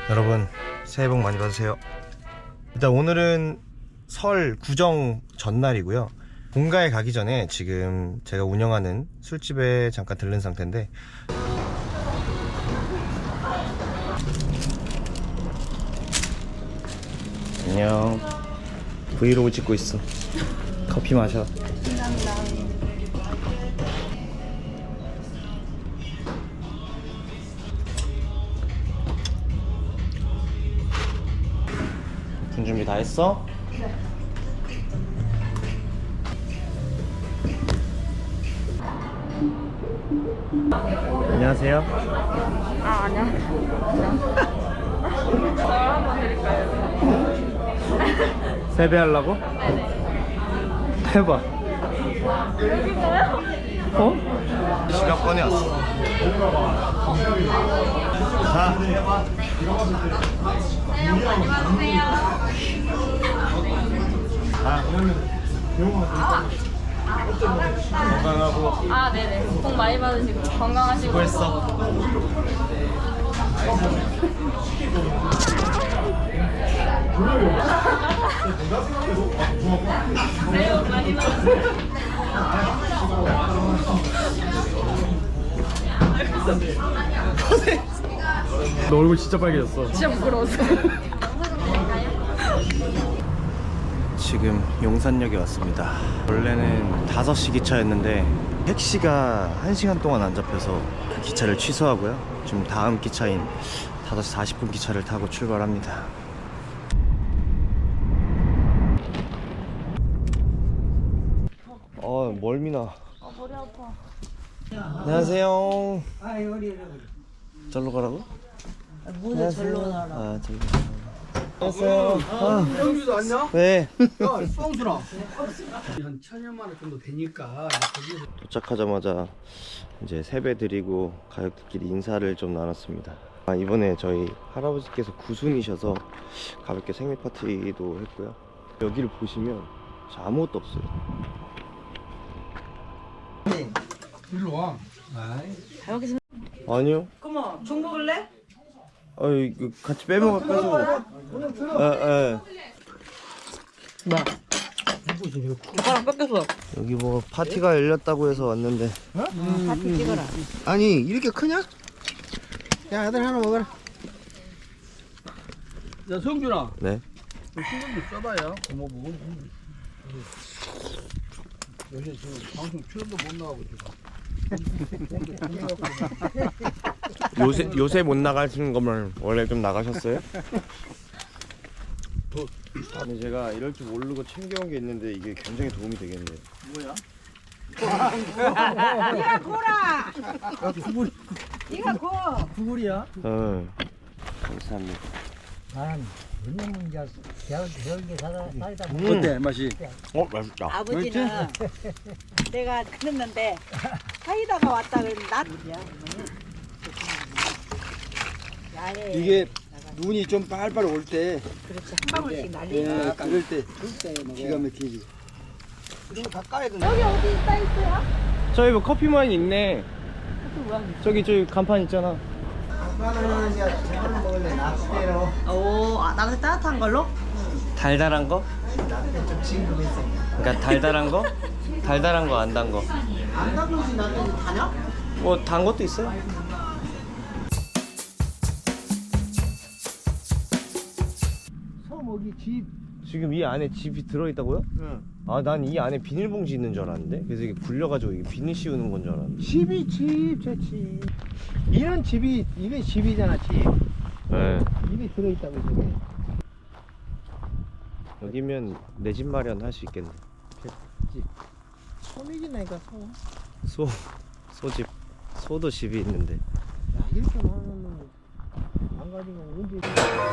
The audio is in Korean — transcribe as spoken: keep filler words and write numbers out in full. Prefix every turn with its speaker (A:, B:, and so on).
A: 여러분 새해 복 많이 받으세요. 일단 오늘은 설 구정 전날이고요. 본가에 가기 전에 지금 제가 운영하는 술집에 잠깐 들른 상태인데, 안녕. 브이로그 찍고 있어. 커피 마셔. 군 준비 다 했어? 네. 안녕하세요.
B: 아, 아니야. 저 한번 드릴까요?
A: 세배하려고? 해봐.
B: 여기가요?
A: 어? 지갑 꺼내왔어. 자, 자. 건강하고.
B: 아, 네네. 복 많이 받으시고 건강하시고.
A: 수고했어.
B: 새해 복 많이 받으세요.
A: 너 얼굴 진짜 빨개졌어.
B: 진짜 부끄러웠어.
A: 지금 용산역에 왔습니다. 원래는 다섯 시 기차였는데 택시가 한 시간 동안 안 잡혀서 그 기차를 취소하고요. 지금 다음 기차인 다섯 시 사십 분 기차를 타고 출발합니다. 어, 멀미나.
B: 아, 머리 아파.
A: 안녕하세요. 절로 가라고?
C: 모두 절로 나라.
A: 아, 절로. 안녕하세요. 아,
D: 형주도 왔냐?
A: 네.
D: 야, 뻥수라. 한 천여만 원 정도 되니까 거기서
A: 도착하자마자 이제 세배 드리고 가족들끼리 인사를 좀 나눴습니다. 아, 이번에 저희 할아버지께서 구순이셔서 가볍게 생일 파티도 했고요. 여기를 보시면 아무것도 없어요.
D: 일로 와. 아이.
C: 여기서
A: 아니요.
C: 그럼 종 먹을래?
A: 아, 이거 같이 빼먹어가지고. 아, 아.
C: 오빠랑 뺏겼어.
A: 여기 뭐 파티가 열렸다고 해서 왔는데.
C: 파티 찍어라.
D: 아니 이렇게 크냐? 야 아들 하나 먹어라. 야 성준아,
A: 네.
D: 신경 좀 써봐요. 고모 보고. 요새 지금 방송 출연도 못 나가고 지금.
A: 요새 요새 못 나가시는 거면 원래 좀 나가셨어요? 아니 제가 이럴 줄 모르고 챙겨온 게 있는데 이게 굉장히 도움이 되겠네요.
D: 뭐야?
C: 네가 고라. 네가 고.
D: 구글이야?
A: 어. 감사합니다.
E: 난 왜냐면 이제 배운 배운 게 살아 살다 보니
D: 어때 맛이?
A: 어, 맛있다.
C: 아버지는 내가 그랬는데 사이다가 왔다 그러면 나. 야해.
D: 이게 눈이 좀 빨빨 올 때,
C: 그렇지 한 방울씩 날리.
D: 예, 그럴 때 기가 막히지. 이런 거 다 까야 돼.
B: 여기 어디 있다 있어요?
A: 저기 뭐 커피 마인 있네. 저기 저기 간판 있잖아.
C: 오, 아, 나한테 따뜻한 걸로?
A: 달달한 거? 그러니까 달달한 거? 달달한 거 안 단 거.
C: 안 담그지 나는 다냐?
A: 뭐 단 것도 있어요.
D: 소목이 집.
A: 지금 이 안에 집이 들어 있다고요?
D: 응.
A: 아, 난 이 안에 비닐봉지 있는 줄 알았는데. 그래서 이게 굴려가지고 이게 비닐 씌우는 건 줄 알았는데.
D: 집이 집, 제 집. 이런 집이, 이게 집이잖아, 집.
A: 네.
D: 집이 들어있다고, 저게.
A: 여기면 내 집 마련 할 수 있겠네.
D: 소맥이나니까, 소.
A: 소 소집 소도 집이 있는데.
D: 야, 이렇게 많으면 안 가지고 언제.